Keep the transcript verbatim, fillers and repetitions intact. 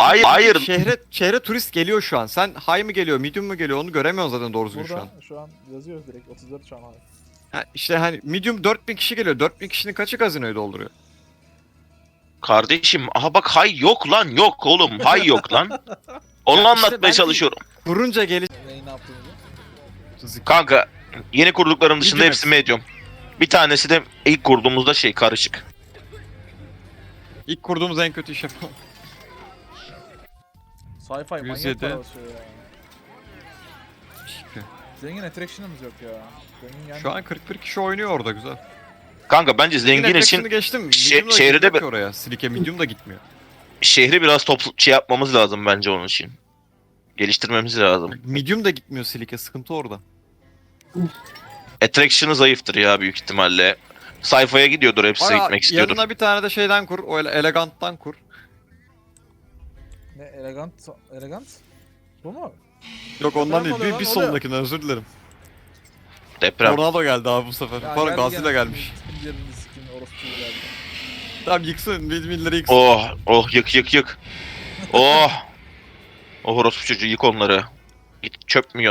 Hayır, hayır. Şehre, şehre turist geliyor şu an. Sen high mı geliyor, medium mu geliyor onu göremiyorsun zaten doğru düzgün şu an. Burada şu an yazıyor direkt otuz dört şu an abi. Ha, işte hani medium dört bin kişi geliyor. dört bin kişinin kaçı gazinoyu dolduruyor? Kardeşim, aha bak hay yok lan, yok oğlum, hay yok lan. Onu Ya işte anlatmaya belki- çalışıyorum. Kurunca gelir. Neyi ne yaptığını. Kanka, yeni kurduklarım dışında Medium hepsi hepsi. medium. Bir tanesi de ilk kurduğumuzda şey karışık. İlk kurduğumuz en kötü iş yapalım. Sci-fi manyak yüz yedi. para basıyor ya. Zengin attraction'ımız yok ya. Zengin yani. Şu an kırk bir kişi oynuyor orada güzel. Kanka bence zengin için Attraction'ı geçtim. şe- Medium da şehirde gitmiyor bir- ki oraya. Silike medium da gitmiyor. şehri biraz toplu şey yapmamız lazım bence onun için. Geliştirmemiz lazım. Medium da gitmiyor Silike. Sıkıntı orada. Attraction'ı zayıftır ya büyük ihtimalle. Sayfaya gidiyordur, hepsi Ara, gitmek istiyordur. yanına bir tane de şeyden kur. O ele- eleganttan kur. Ne elegant elegant? Bu mu? Yok ondan Deprem değil. oluyor Bir, lan, bir oluyor. sonrakinden özür dilerim. Deprem. Tornado geldi abi bu sefer. Ya Pardon geldi, Godzilla geldi. gelmiş. Sikim yerini sikim orospuyu geldi. Tamam yıksın. Windmill'leri yıksın. Oh, oh yık yık yık. Oh. Oh orospu çocuğu, yık onları. Git çöp mü